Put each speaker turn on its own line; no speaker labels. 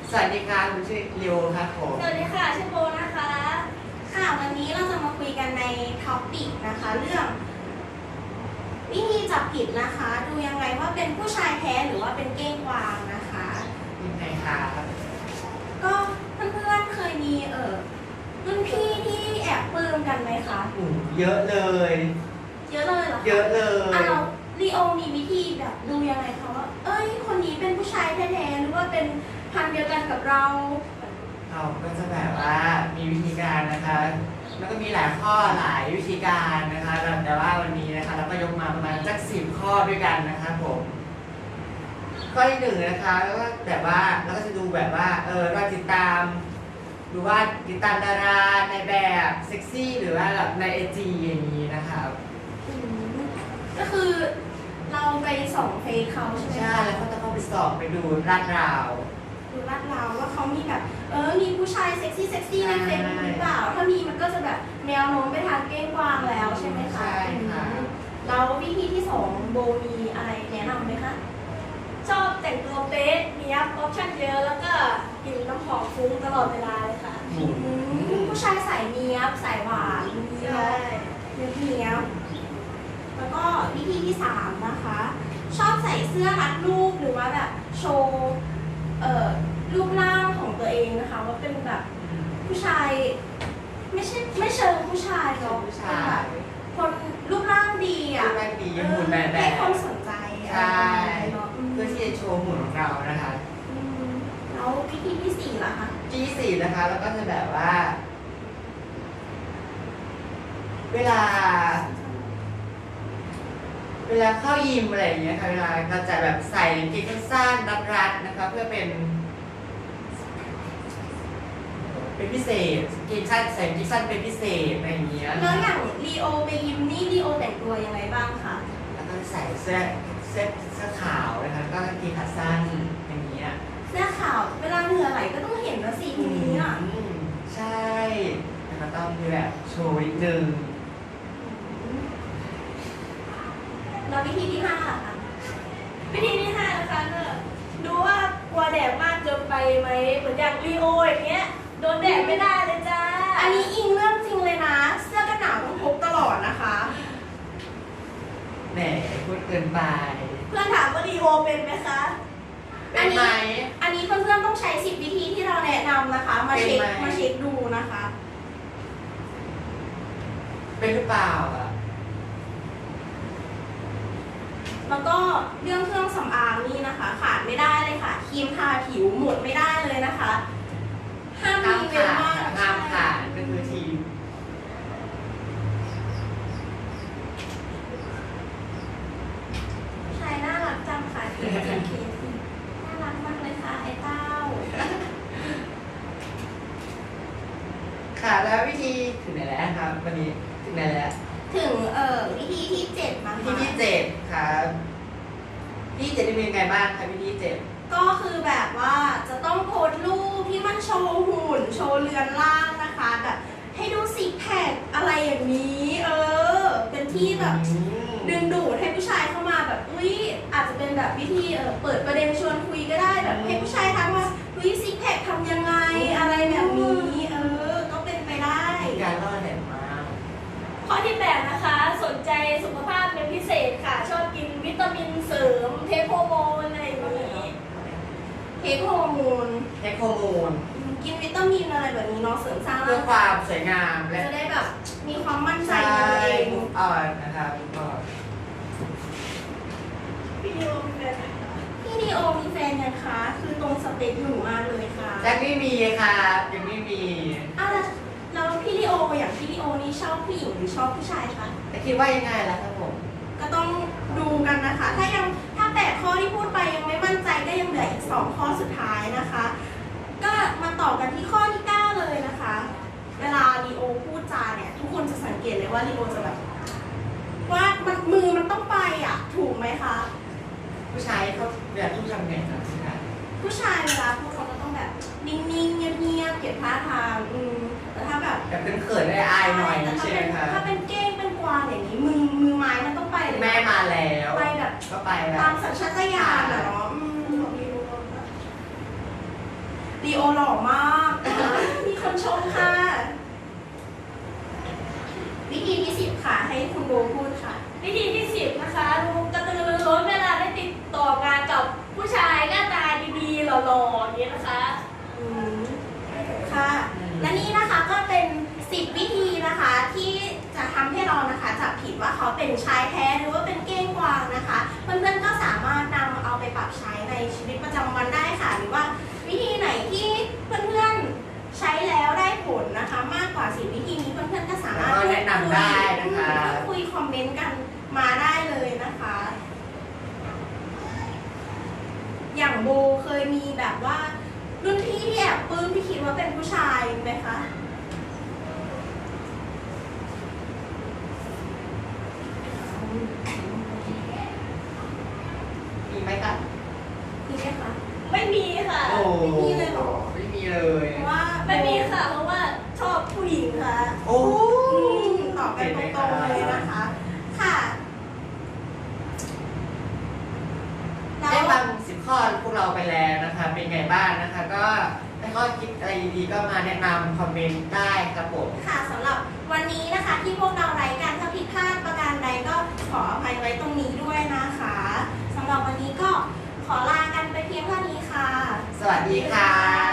สวัสดีค่ะคุณชื่อริวครับผม
สวัสดีค่ะชื่อโบนะคะค่ะวันนี้เราจะมาคุยกันในท็อปปิกนะคะเรื่องวิธีจับผิดนะคะดูยังไงว่าเป็นผู้ชายแท้หรือว่าเป็นเก้งกวางนะคะ
ยังไงครับ
ก็เพื่อนๆเคยมีรุ่นพี่ที่แอบปลื้มกันไหมคะ
เยอะเลย
เยอะเลยเหรอ
เยอะเลย
เราลีโอมีวิธีแบบดูยังไงคะว่าเอ้ยคนนี้เป็นผู้ชายแท้ๆหรือว่าเป็นพันธุ์เดียวกันกับเรา
เราก็จะแบบว่ามีวิธีการนะคะแล้วก็มีหลายข้อหลายวิธีการนะคะแต่ว่าวันนี้นะคะเราก็ยกมาประมาณสัก10 ข้อด้วยกันนะคะผมข้อที่หนึ่งนะคะแล้วก็แบบว่าเราก็จะดูแบบว่าเราติดตามดูว่าติดตามดาราในแบบเซ็กซี่หรือว่าแบบในIGอย่างนี้นะคะ
ก็คือเราไปส่องเฟซเขาใช่ไหม
ใช่แล้วก็ต้องเข้าไปสอบไปดูลาดราว
ดูลาดราวว่าเขามีแบบมีผู้ชายเซ็กซี่ในเฟซหรือเปล่าถ้ามีมันก็จะแบบแนวโน้มไปทางเก้งกวางแล้วใช่ไหมคะ
ใช่ค่ะ
แล้ววิธีที่2โบมีอะไรแนะนำไหมคะ
ชอบแต่งตัวเป๊ะมีออปชั่นเยอะแล้วก็กินน้ำหอมฟุ้งตลอดเวลาเลยค่ะ
ผู้ชายสายเนี้ยบสายหวาน
ใช่
เนี้ยบแล้วก็วิธีที่3นะคะชอบใส่เสื้อรัดรูปหรือว่าแบบโชว์รูปร่างของตัวเองนะคะว่าเป็นแบบผู้ชายไม่เชิงผู้ชายเนาะ
ผู้ชาย
คนรูปร่างดีอ่ะ
รูปร่างดีหุ่นแบบ
ให้คนสนใจ
ใช่
เนาะ
เพื่อที่จะโชว์หุ่นของเรานะคะ
แล้ววิธีที่4ล่ะคะ
ที่สี่นะคะแล้วก็จะแบบว่า เวลาเข้ายิมอะไรอย่างเงี้ยค่ะเวลาเราจะแบบใส่กางเกงสั้นรัดๆนะคะเพื่อเป็นพิเศษกางเกงสั้นใส่กางเกงสั้นเป็นพิเศษอะไรอย่างเงี้ย
แล้วอย่างลีโอไปยิมนี่ลีโอแต่งตัวยังไงบ้างคะ
แล้วก็ใส่เสื้อขาวนะคะก็กางเกงขาสั้นอย่างเงี้ย
เสื้อขาวเวลาเหงื่อไหลก็ต้องเห็นนะสิทีนี้อ่ะ
ใช่แต่ก็ต้องมีแบบโชว์นิดนึง
แล้ววิธีที่5ค่ะ
วิธีที่5นะคะก็ดูว่ากลัวแดดมากเกินไปไหมเหมือนอย่างลีโออย่างเงี้ยโดนแดดไม่ได้เลยจ้า
อันนี้อิงเรื่องจริงเลยนะเสื้อกันหนาวต้องพกตลอดนะคะ
แหมพูดเกินไป
เพื่อนถามว่าลีโอเป็นไหมคะ
เป็นไหม
อันนี้เพื่อนๆต้องใช้10 วิธีที่เราแนะนำนะคะมาเช็คดูนะคะ
เป็นหรือเปล่าอ่ะ
แล้วก็เรื่องเครื่องสำอางนี่นะคะขาดไม่ได้เลยค่ะครีมทาผิวหมดไม่ได้เลยนะคะห้ามมีเว้นว่าง
ห้ามขาดก็คือทีม
ชายน่ารักจังค่ะทีมน่ารักมากเลยค่ะไอ้เต้า
ค่ะแล้ววิธีถึงไหนแล้วครับวันนี้ถึงไหนแล้ว
ถึงวิธีที่7นะคะ
วิธีที่7ครับวิธี7เป็นยังไงบ้างครับวิธี7
ก็คือแบบว่าจะต้องโพสต์รูปที่มันโชว์หุ่นโชว์เรือนร่างนะคะแบบให้ดูซิกแพคอะไรอย่างนี้เป็นที่แบบดึงดูดให้ผู้ชายเข้ามาแบบอาจจะเป็นแบบวิธีเปิดประเด็นชวนคุยก็ได้แบบให้ผู้ชายทักว่าซิกแพคทำยังไงอะไรแบบนี้ก็เป็นไปได้
การล่อแหลมมาก
ข้อที่8นะคะสนใจสุขภาพเป็นพิเศษค่ะชอบกินวิตามินเสริมเทคโฮอร์โมนอะไรอย่างนี้
เทคโฮอร์โมนกินวิตามินอะไรแบบนี้เนาะเสริมสร้าง
เพื่อความสวยงามและ
จะได้แบบมีความมั่นใจในตัวเอง
อ่อนนะครับ
พี่ดีโอมีแฟนไหมคะ
พี่ดีโอมีแฟนยังคะคือตรงสเปคหนูมากเลยค่ะ
ยังไม่มีค่ะยังไม่มี
แล้วพี่ดีโออย่างพี่ดีโอนี่ชอบผู้หญิงหรือชอบผู้ชายคะ
แต่คิดว่ายังไงล่ะครับผม
ก็ต้องดูกันนะคะถ้า8 ข้อที่พูดไปยังไม่มั่นใจก็ยังเหลืออีก2 ข้อสุดท้ายนะคะก็มาต่อกันที่ข้อที่9เลยนะคะเวลาลีโอพูดจาเนี่ยทุกคนจะสังเกตเลยว่าลีโอจะแบบว่ามือมันต้องไปอ่ะถูกไหมคะ
ผู้ชายเขาแบบทุกทำไงครับ
ผู้ชายเวลาพูดเขาก็ต้องแบบนิ่งๆเงียบๆเก็บท่าทางแต่ถ้าแบบ
เป็นเขินได้อายหน่อยใช่ไหมคะ
ถ้าเป็นเก้งเป็นกวางอย่างนี้มือไม้มันต้องไปเลย
แม่มาแล้ว
ไปแบบ
ก็ไปแบบ
ตามสัญชาตญาณเนาะลีโอหล่อมากมีคนชมค่ะ วิธีที่10ค่ะ ให้คุณโบพูดค่ะ
วิธีที่10นะคะลุงกระตือรือร้นเวลาได้ติดต่องานกับผู้ชายหน้าตาดีๆหล่อๆอย่างนี้นะคะ
อืมค่ะ และนี่นะคะก็เป็น10วิธีนะคะที่จะทำให้เรานะคะจับผิดว่าเขาเป็นชายแท้หรือว่าเป็นเก้งกวางนะคะ เพื่อนๆก็สามารถนำเอาไปปรับใช้ในชีวิตประจำวันได้ค่ะ หรือว่าวิธีไหนที่เพื่อนๆใช้แล้วได้ผลนะคะ มากกว่า10วิธีนี้เพื่อนๆก็สามารถ
ก็แนะนำได้นะคะ
คุยคอมเมนต์กันมาได้เลยนะคะ อย่างโบเคยมีแบบว่ารุ่นพี่ที่แอบปลื้มที่คิดว่าเป็นผู้ชายไหมคะ
มีไหมครับ
มีไหมคะ
ไม่มีค่ะ
โอ้
ไม่มีเลยเหรอ
ไม่มีเลย
เพราะว่า
ไม่มีค่ะเพราะว่าชอบผู้หญิงค่ะ
โอ้
ตอบกันตรงๆเลยนะคะ ค่ะ
ได้ฟัง10 ข้อพวกเราไปแล้วนะคะ เป็นไงบ้างนะคะ ก็ถ้าข้อคิดอะไรดีๆก็มาแนะนำคอมเมนต์ได้ครับผม
ค่ะสำหรับวันนี้นะคะที่พวกเราไร้การถ้าผิดพลาดประการใดก็ขออภัยไว้ตรงนี้ด้วยนะคะสำหรับวันนี้ก็ขอลากันไปเพียงเท่านี้ค่ะ
สวัสดีค่ะ